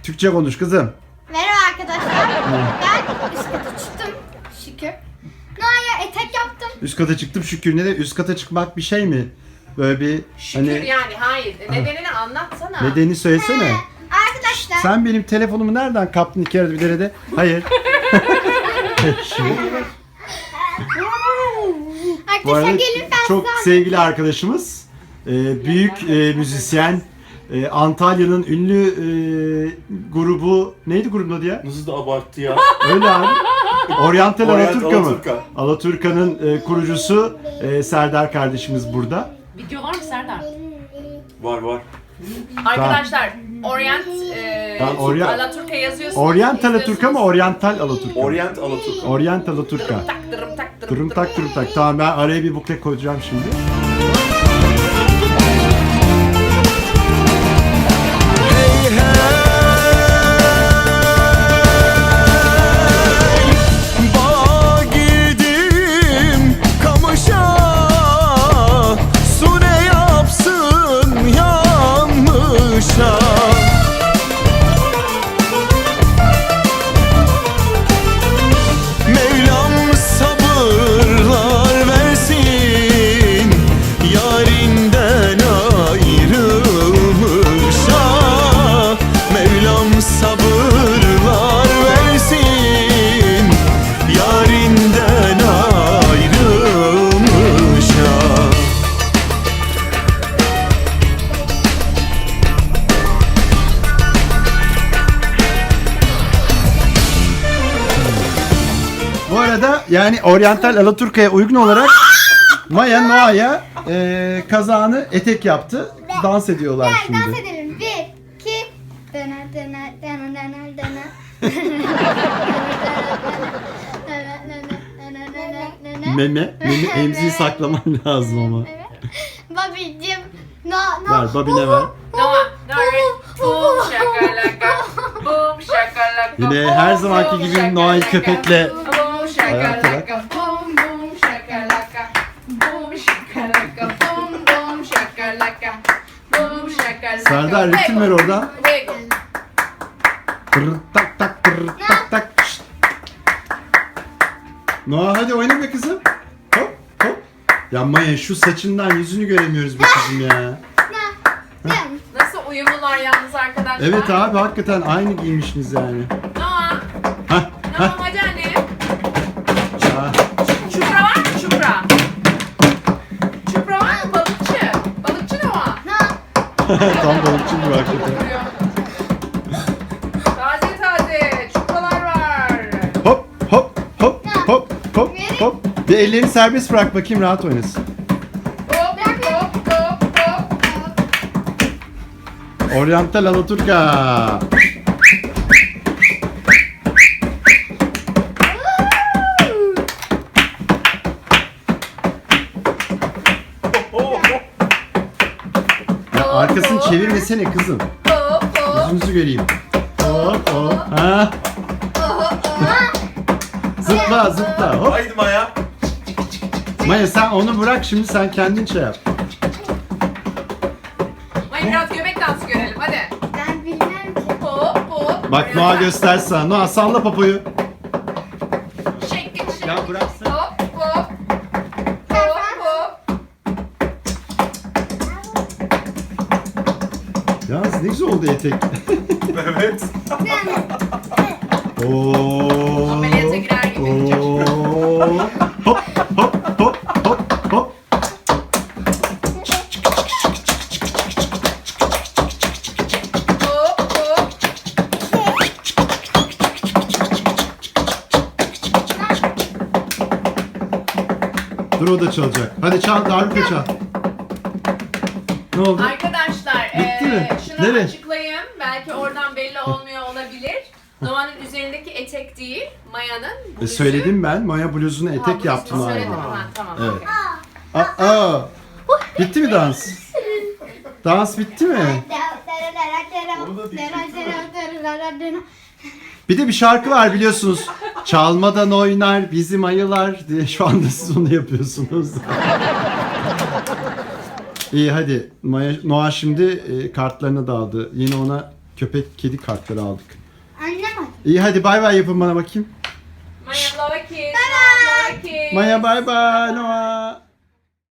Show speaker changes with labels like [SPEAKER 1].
[SPEAKER 1] Türkçe konuş kızım.
[SPEAKER 2] Merhaba arkadaşlar. Ben üst kata çıktım. Şükür. Noah'ya etek yaptım.
[SPEAKER 1] Üst kata çıktım şükür. Ne de üst kata çıkmak bir şey mi? Böyle bir
[SPEAKER 3] Şükür
[SPEAKER 1] hani
[SPEAKER 3] yani hayır. Nedenini anlatsana.
[SPEAKER 1] nedeni söylesene.
[SPEAKER 2] Arkadaşlar.
[SPEAKER 1] Sen benim telefonumu nereden kaptın iki arada bir derede? Hayır. Bu
[SPEAKER 2] Arkadaşlar
[SPEAKER 1] arada
[SPEAKER 2] gelin ben
[SPEAKER 1] çok
[SPEAKER 2] size
[SPEAKER 1] sevgili arkadaşımız, büyük müzisyen, Antalya'nın ünlü grubu, neydi grubun adı ya?
[SPEAKER 4] Nasıl da abarttı ya.
[SPEAKER 1] Öyle abi. Oriental
[SPEAKER 4] Orient
[SPEAKER 1] Alaturka mı?
[SPEAKER 4] Alaturka.
[SPEAKER 1] Alaturka'nın kurucusu Serdar kardeşimiz burada.
[SPEAKER 3] Video var mı Serdar?
[SPEAKER 4] Var.
[SPEAKER 3] Arkadaşlar Orient Alaturka yazıyorsunuz.
[SPEAKER 1] Orient Alaturka mı? Oriental Alaturka mı?
[SPEAKER 4] Orient Alaturka.
[SPEAKER 1] Orient Alaturka.
[SPEAKER 3] Dırım tak
[SPEAKER 1] Durum tak durum tak. Tamam ben araya bir bukle koyacağım şimdi.
[SPEAKER 5] Bağa girdim kamışa, su ne yapsın yanmışa. Mevlam sabırlar versin yarinden ayrılmışa. Mevlam sabırlar versin yarinden ayrılmışa.
[SPEAKER 1] Bu arada yani Oriental Alaturka'ya uygun olarak Maya Noah'ya kazağını etek yaptı. Dans ediyorlar
[SPEAKER 2] Gel
[SPEAKER 1] şimdi.
[SPEAKER 2] dans edelim. 1, 2, dana dana dana dana dana.
[SPEAKER 1] Meme emziği saklaman lazım ama.
[SPEAKER 2] Evet. Babicim. No.
[SPEAKER 1] Ver babine ver.
[SPEAKER 3] Noah, boom shakalaka, boom shakalaka.
[SPEAKER 1] Yine her zamanki gibi Noah'yı köpekle
[SPEAKER 3] Boom shakalaka, boom boom shakalaka, boom shakalaka, boom shakalaka, boom shakalaka.
[SPEAKER 1] Serdar ritim ver oradan.
[SPEAKER 3] Wiggle.
[SPEAKER 1] Tırr tak tak tırr tak tak. Şşt. Noah hadi oyna be kızım. Hop hop. Ya Maya şu saçından yüzünü göremiyoruz be kızım ya.
[SPEAKER 3] Nasıl uyumlular yalnız arkadaşlar?
[SPEAKER 1] Evet abi hakikaten aynı giymişsiniz yani.
[SPEAKER 3] Noah,
[SPEAKER 1] Hah
[SPEAKER 3] Noah hadi anne.
[SPEAKER 1] hah.
[SPEAKER 3] Çupra var mı çupra? Çupra var mı balıkçı? Balıkçı Noah.
[SPEAKER 1] Tam balıkçı gibi hakikaten.
[SPEAKER 3] Taze taze çupralar var.
[SPEAKER 1] Hop hop hop hop hop hop. Bir ellerini serbest bırak bakayım rahat oynasın.
[SPEAKER 3] Hop hop hop hop.
[SPEAKER 1] Oriental Alaturka. Ya arkasını çevirmesene kızım.
[SPEAKER 3] Hop hop.
[SPEAKER 1] Yüzünüzü göreyim. Hop hop. Ha. Zıpla zıpla. Hop.
[SPEAKER 4] Haydi Maya.
[SPEAKER 1] Maya sen onu bırak şimdi sen kendin şey yap.
[SPEAKER 3] Hadi biraz göbek dansı görelim hadi.
[SPEAKER 2] Ben bilmem ki.
[SPEAKER 3] Hop hop.
[SPEAKER 1] Bak Noah göstersen sana. Noah salla popoyu.
[SPEAKER 3] Shake it shake
[SPEAKER 1] Ya
[SPEAKER 3] it.
[SPEAKER 1] bıraksın.
[SPEAKER 3] Hop hop. Hop hop.
[SPEAKER 1] Yalnız ne güzel oldu etek.
[SPEAKER 4] Evet.
[SPEAKER 1] Oo.
[SPEAKER 3] Ameliyata girer gibi.
[SPEAKER 1] Oo. Hop hop hop hop hop.
[SPEAKER 3] Hop hop.
[SPEAKER 1] Dur o da çalacak. Hadi çal darbuka çal. Ne oldu?
[SPEAKER 3] Arkadaşlar
[SPEAKER 1] Bitti mi?
[SPEAKER 3] şunu
[SPEAKER 1] Nereye?
[SPEAKER 3] açıklayayım. Belki oradan belli olmuyor olabilir. Noah'nın üzerindeki etek değil, Maya'nın bluzu.
[SPEAKER 1] Söyledim ben. Maya bluzuna
[SPEAKER 3] Ha,
[SPEAKER 1] etek
[SPEAKER 3] bluzunu
[SPEAKER 1] yaptım abi.
[SPEAKER 3] söyledim. Ha, tamam.
[SPEAKER 1] Evet.
[SPEAKER 3] okey.
[SPEAKER 1] Aa. Bitti mi dans? Dans bitti mi? Bir de bir şarkı var biliyorsunuz. Çalmadan oynar bizim ayılar diye şu anda siz onu yapıyorsunuz. İyi hadi. Noah şimdi kartlarını da aldı. Yine ona köpek kedi kartları aldık.
[SPEAKER 2] Anne bak.
[SPEAKER 1] İyi hadi bay bay yapın bana bakayım.
[SPEAKER 3] Maya love kiss. Love kiss.
[SPEAKER 1] Maya bay bay Noah.